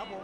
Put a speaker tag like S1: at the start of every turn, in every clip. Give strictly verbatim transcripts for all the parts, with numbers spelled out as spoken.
S1: ผม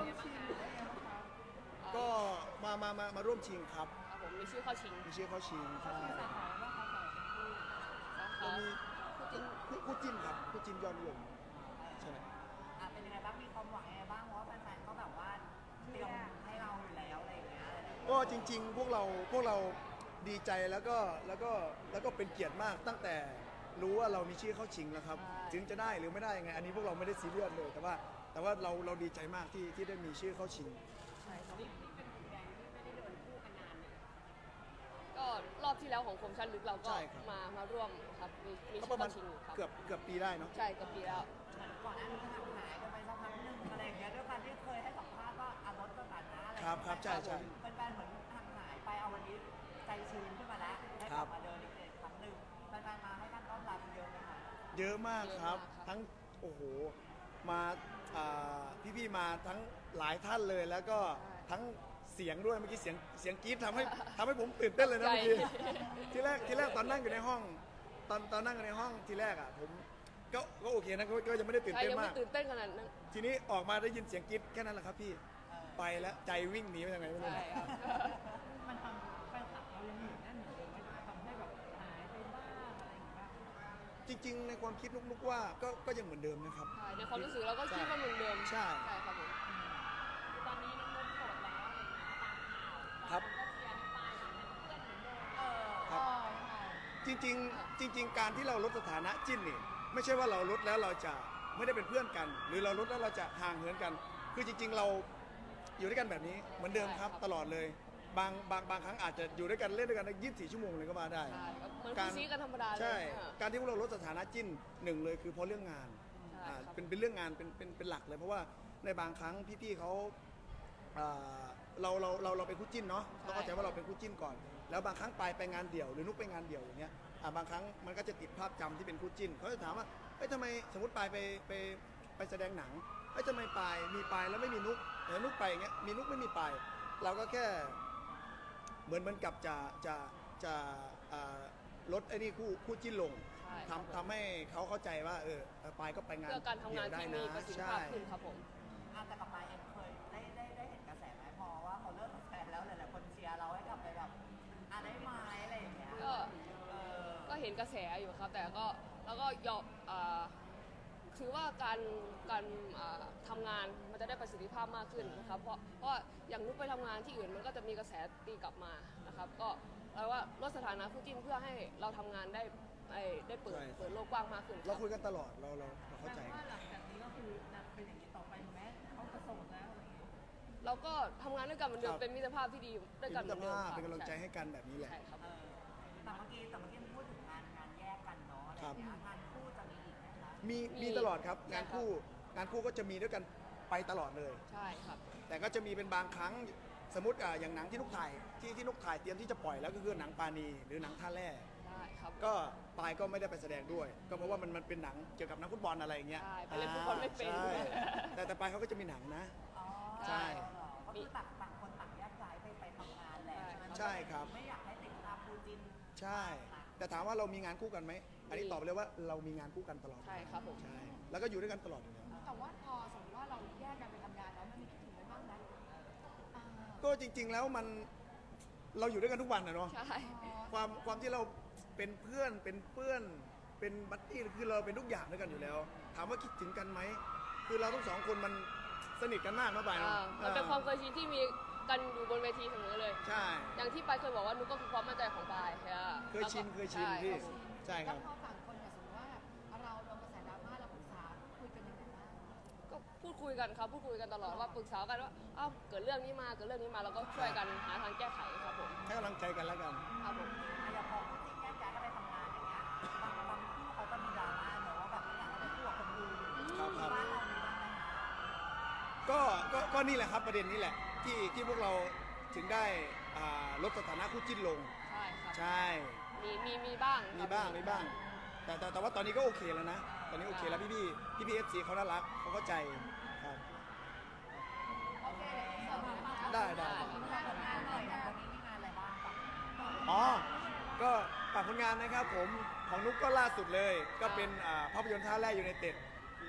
S1: ก็มามามามาร่วมชิงครับ
S2: ครับผมมีชื่อเข้าชิง
S1: มีชื่อเข้าชิงใช่
S3: สาขาว่าเขาสาขา
S2: สาขา
S1: มีคู่คู่จิ้นครับคู่จิ้นยอดนิยมใช่ไหม
S3: อ่ะเป็นยังไงบ้างมีความหวังยังไงบ้างเพราะว่าแฟนๆเขาแบบว่าเตรียมให้เราอยู่แล้วอะไรอย่างเงี้ย
S1: ก็จริงๆพวกเราพวกเราดีใจแล้วก็แล้วก็แล้วก็เป็นเกียรติมากตั้งแต่รู้ว่าเรามีชื่อเข้าชิงแล้วครับถึงจะได้หรือไม่ได้ยังไงอันนี้พวกเราไม่ได้ซีเรียสเลยแต่ว่าแต่ว่าเราเราดีใจมากที่ที่ได้มีชื่อเข้าชิง
S2: ใช่ครับ
S3: นี่เป็นผลงานที่ไม่ได้เดินคู่กันนานเลย
S2: ก็รอบที่แล้วของคมชันลึกเราก็
S1: ใช่ครับ
S2: มามาร่วมครับมีมี
S1: ก็
S2: ชื่
S1: ป
S2: อ
S1: ระมาณ
S2: เข้าชิงอยู่ครับ
S1: เกือบเกือบปีได้เนาะ
S2: ใช่กับปีแล้ว
S3: ก่อนหน้านี้ก็ห่างหายกันไปสักพักหนึงอะไรอย่างเงี้ยด้วยการที่เคยให้สัมภาษณ์ว่าอารถสถานะอะไร
S1: ครับครับใช่ใช่
S3: แฟนๆเหมือนห่างหายไปเอาวันนี้ใจชื้นขึ้นมาแล้วได้กลับมาเดินอีกครั้งหนึ่งแฟนๆมาให้การต้อนรับเยอะไหมคะ
S1: เยอะมากครับทั้งโอ้โหมาอ่าพี่ๆมาทั้งหลายท่านเลยแล้วก็ทั้งเสียงด้วยเมื่อกี้เสียงเสียงกรี๊ดทำให้ทำให้ผมตื่นเต้นเลยนะเมื่อกี้ทีแรกทีแรกตอนนั่งอยู่ในห้องตอนตอนนั่งอยู่ในห้องทีแรกอ่ะผมก็ก็โอเคนะก็ก็ยังไม่ได้ตื่น
S2: ใช่
S1: เต้น
S2: ยัง
S1: มา
S2: ไม่
S1: ก
S2: ตื่นเต้นขนาดนั้น
S1: ทีนี้ออกมาได้ยินเสียงกรี๊ดแค่นั้นแหละครับพี่ไปแล้วใจวิ่งหนีไปทางไหนไม่รู้
S2: ใช่ครับ
S3: มันทำแฟนคลับเรายังอยู่แน่นเหมือนเดิมไหมทำให้แบบหายไปบ้างอะไรอย่างเงี้ย
S1: จริง ๆ ในความคิดนุกๆว่าก็ก็ยังเหมือนเดิมนะครับ
S2: ใช่ในความรู้สึกเราก็คิดว่าเหมือนเดิม
S1: ใช่
S2: ใช่ครับผม
S3: ตอนนี้น้องนนท์โสดแล้วอะไรอย่างเงี้ยตามข่าว
S1: ครับ
S3: ก็เชียร์ให้ปายเป็นเพื่อนเหมือนเดิมเออ
S1: ครับ จริงๆจริง ๆ การที่เราลดสถานะจิ้นนี่ไม่ใช่ว่าเราลดแล้วเราจะไม่ได้เป็นเพื่อนกัน หรือเราลดแล้วเราจะห่างเหินกัน คือจริง ๆ เราอยู่ด้วยกันแบบนี้เหมือนเดิมครับตลอดเลยบางบางบางครั้งอาจจะอยู่ด้วยกันเล่นด้วยกันได้ยี่สิบสี่ชั่วโมงเลยก็มาได้
S2: ใช่ครับเหมือนคู่ซีกันธรรมดาเลย
S1: ใช่
S2: อ่ะ
S1: การที่พวกเราลดสถานะจิ้นหนึ่งเลยคือเพราะเรื่องงาน
S2: ใช่
S1: อ่า
S2: ครับ
S1: เป็นเป็นเรื่องงานเป็นเป็นเป็นหลักเลย เพราะว่าในบางครั้งพี่ๆเขาอ่าเราเราเราเราเป็นคู่จิ้นเนาะต้องเข้าใจว่าเราเป็นคู่จิ้นก่อน แล้วบางครั้งไปไปงานเดี่ยวหรือนุกไปงานเดี่ยวอย่างเงี้ยอ่าบางครั้งมันก็จะติดภาพจำที่เป็นคู่จิ้นเขาจะถามว่าเอ้ยทำไมสมมติไปไปไปไปแสดงหนังเอ้ยทำไมไปมีไปแล้วไม่มีนุกแต่นุกไปอย่างเงี้ยมีนุกไม่มีไปเราก็แค่เหมือนเหมือนกับจะจะจะอ่าลดไอ้นี่คู่คู่จิ้นลง
S2: ใช่ครับ
S1: ทำทำให้เขาเข้าใจว่าเออไปก็ไปงาน
S2: เพื่อการทำงาน
S1: เดี่ยวได้
S2: ที่
S1: นะ
S2: มีประสิทธิ
S1: ใช่
S2: ภาพขึ้นครับผม
S3: อ่ะแต่กับปายเองเคยได้ได้ได้เห็นกระแสไหมพอว่าเขาเลิกกับแฟนแล้วหลายๆคนเชียร์เราให้กลับไปแบบอ่ะได้ไหมอะไรอย่างเงี้ย
S2: ก็
S3: เออ
S2: ก็เห็นกระแสอยู่ครับ แต่ก็แล้วก็ยอมอ่าถือว่าการการอ่าทำงานมันจะได้ประสิทธิภาพมากขึ้นนะครับเพราะเพราะอย่างนุกไปทำงานที่อื่นมันก็จะมีกระแสตีกลับมานะครับ ก็แปลว่าลดสถานะคู่จิ้นเพื่อให้เราทำงานได้ได้ได้เปิด
S1: ใช่
S2: เปิดโลกกว้างมากขึ้น
S1: เราคุยกันตลอดเราเราเราเข้าใจ
S3: แปล
S1: กั
S3: ว่าน หลังจากนี้ก็คือจะเป็นอย่างนี้ต่อไปถูกไหมเขาจะโสดแล้วอะไรอย่างเงี้ย
S2: เราก็ทำงานด้วยกันเหมือนเดิ
S1: ค
S2: ม
S1: รับ
S2: เป็นมิตรภาพที่ดีด้วยกันเห
S1: เป็
S2: มือน นเดิม
S1: ภาพ
S2: ครับ
S1: เป็นกำลังใจให้กันแบบนี้แหละ
S2: ใช่ครับ
S3: เออแต่เมื่อกี้แต่เมื่อกี้พูดถึงงานงานแยกกันเนาะอะไรอย่างเงี้ยงานคู่จะมีอีกไหมคะ
S1: มี
S2: มี
S1: มีตลอดครับ
S2: ใช่
S1: งาน
S2: ครับ
S1: คู่งานคู่ก็จะมีด้วยกันไปตลอดเลย
S2: ใช่ครับ
S1: แต่ก็จะมีเป็นบางครั้งสมมติอ่าอย่างหนังที่นุกถ่ายที่ที่นุกถ่ายเตรียมที่จะปล่อยแล้วก็คือหนังปาณีหรือหนังท่าแร่
S2: ได้ครับ
S1: ก็ปายก็ไม่ได้ไปแสดงด้วย ก็เพราะว่ามันมันเป็นหนังเกี่ยวกับนักฟุตบอลอะไรอย่างเงี้ย
S2: ใช่ไปเล่นฟุตบอลไม่เป็น
S1: ใช่แต่แต่ปายเขาก็จะมีหนังนะ
S3: อ๋อ
S1: ใช่
S3: เหรอก็คือต่างต่างคนต่างแยกย้ายไปไปทำงานแหละใช่ไหม
S1: ใช่ครับ
S3: ไม่อยากให้ติดตามคู่จิ้น
S1: ใช่ แต่ถามว่าเรามีงานคู่กันไหมอันนี้ตอบไปเลยว่าเรามีงานคู่กันตลอด
S2: ใช่ครับผม
S1: ใช่แล้วก็อยู่ด้วยกันตลอดอยู่แล้ว
S4: แต่ว่าพอสมมติว่าเราแยกกันไปทำงานแล้วมันมีคิดถึงกันบ้างไหมอ่า
S1: ก็จริง ๆ แล้วมันเราอยู่ด้วยกันทุกวันนะเนาะ
S2: ใช่
S1: ความความที่เราเป็นเพื่อนเป็นเพื่อนเป็นบัดดี้คือเราเป็นทุกอย่างด้วยกันอยู่แล้ว ถามว่าคิดถึงกันไหมคือเราทั้งสองคนมันสนิทกันมากนะปาย
S2: อ่า
S1: เนาะ
S2: มันเป็นความเคยชินที่มีกันอยู่บนเวทีเสมอเลย
S1: ใช่
S2: อย่างที่ปายเคยบอกว่านุกก็คือความมั่นใจของปายใช่ไหม
S1: เคยชินเคยชิน
S2: ใช่
S1: พี่
S2: ครับผม
S1: ใช่ค
S4: แล้
S1: รั
S4: ว
S1: บ
S4: พอต่างคนเนี่ยสมมติว่าเราโดนกระแสดราม่าเราปรึกษาคุยกันยังไงบ้าง
S2: ก็พูดคุยกันครับพูดคุยกันตลอดว่าปรึกษากันว่าอ้าวเกิดเรื่องนี้มาเกิดเรื่องนี้มาแล้วก็ช่วยกันหาทางแก้ไขครับผม
S1: ให้กำลังใจกันแล้วกัน
S2: ครับผม
S3: อะอย่างพอคู่จิ้นแยกย้ายกันไปทำงานอย่างเงี้ยบางบางคู่เขาก็มีดราม่าเนอะว่าแบบไม่อยากให้ไปคู่กับคนอื่น
S1: ครับครับ
S3: บ้านเรามีบ้างไหมคะ
S1: ก็ก็ก็นี่แหละครับประเด็นนี้แหละที่ที่พวกเราถึงได้อ่าลดสถานะคู่จิ้นลง
S2: ใช่ครับ
S1: ใช่
S2: มีมีมีบ้าง
S1: มีบ้างมีบ้าง แต่แต่แต่ว่าตอนนี้ก็โอเคแล้วนะ ตอนนี้โอเคแล้วพี่พี่พี่พี่เอฟซีเขาน่ารักเขาเข้าใจครับ
S4: โอเคเดี๋ยวอินเสิร์ตมาค่ะ
S1: ได้ได้
S3: งานผลงานหน่อยนะวันนี้มีงานอะไรบ้างปะ
S1: อ๋อ ก็ฝากผลงานนะครับผมของนุกก็ล่าสุดเลย ก็เป็นอ่าภาพยนตร์ท่าแร่ยูไนเต็ด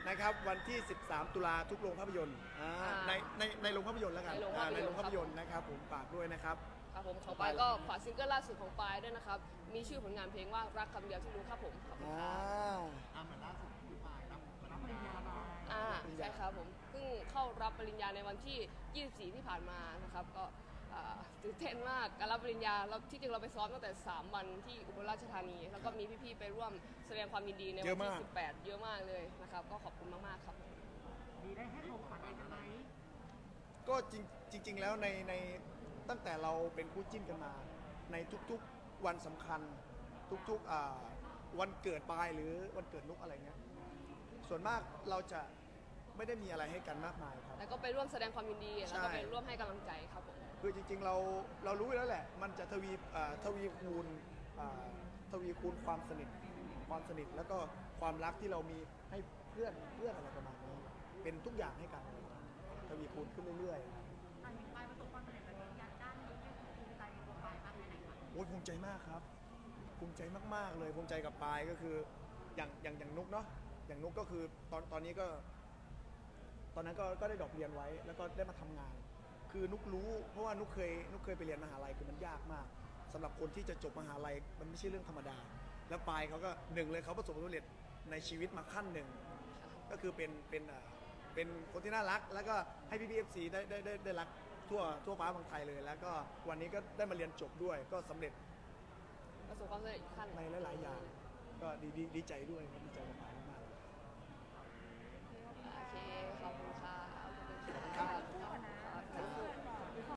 S1: นะครับวันที่ สิบสาม ตุลาทุกโรงภาพยนตร์อ่า
S2: อ่า
S1: ในในในโรงภาพยนตร์แล้วกัน
S2: ในโรง
S1: อ่า
S2: ภาพยนตร์
S1: ในโรงภาพยนตร์นะครับผมฝากด้วยนะครับ
S2: ครับผมของปายก็ฝากซิงเกิลล่าสุดของปายด้วยนะครับ มีชื่อผลงานเพลงว่ารักคำเดียวที่รู้ครับผมขอบคุณ
S1: อ่า
S2: ครับ
S5: อ่าเหมือนล่าสุดพี่ปายรับรับปริญญามา
S2: อ่าใช่ครับผมเพิ่งเข้ารับปริญญาในวันที่ ยี่สิบสี่ ที่ผ่านมานะครับก็อ่าตื่นเต้นมากการรับปริญญาเราที่จริงเราไปซ้อมตั้งแต่ สาม วันที่อุบลราชธานี แล้วก็มีพี่ๆไปร่วมแสดงความยินดีใน
S1: เย
S2: วัน
S1: อะ
S2: ที่
S1: มาก
S2: สิบแปด เยอะมากเลยนะครับก็ขอบคุณมากๆครับ
S5: มีได้ให้ของขวัญอะไรกันไหม
S1: ก็จริงจริง ๆ แล้วในในตั้งแต่เราเป็นคู่จิ้นกันมา ในทุกๆวันสำคัญ ทุกๆอ่าวันเกิดปลายหรือวันเกิดนุกอะไรเงี้ยส่วนมากเราจะไม่ได้มีอะไรให้กันมากมายครับ
S2: แล้วก็ไปร่วมแสดงความยินดี แล้วก็ไปร่วมให้กำลังใจครับผม
S1: คือจริงๆ เราเรารู้อยู่แล้วแหละ มันจะทวีอ่าทวีคูณอ่าทวีคูณความสนิทความสนิทแล้วก็ความรักที่เรามีให้เพื่อนเพื่อนอะไรประมาณนี้ เป็นทุกอย่างให้กันทวีคูณขึ้นเรื่อยๆ
S4: ตอนนี้ปายประสบความสำเร็จแบบนี้ยัดด้านนี้เนี่ยภูมิใจในตัวปายมากแค่ไหนคะ
S1: โอ้ยภูมิใจมากครับ ภูมิใจมากๆเลยภูมิใจกับปายก็คืออย่างอย่างอย่างนุกเนาะอย่างนุกก็คือตอนตอนนี้ก็ ตอนนั้นก็ก็ได้ดรอกเรียนไว้ แล้วก็ได้มาทำงาน คือนุกรู้เพราะว่านุกเคยนุกเคยไปเรียนมหาลัยคือมันยากมากสำหรับคนที่จะจบมหาลัยมันไม่ใช่เรื่องธรรมดา แล้วปายเขาก็หนึ่งเลยเขาประสบความสำเร็จในชีวิตมาขั้นหนึ่งก็คือเป็นเป็นอ่าเป็นคนที่น่ารัก แล้วก็ให้พี่พีเอฟซีได้ได้ได้ได้รักทั่วทั่วฟ้าเมืองไทยเลย แล้วก็วันนี้ก็ได้มาเรียนจบด้วย ก็สำเร็จ
S2: ประสบความสำเร็จอีกขั้น
S1: ในหลาย ๆ อย่าง ก็ดีดีดีใจด้วยครับดีใจมาก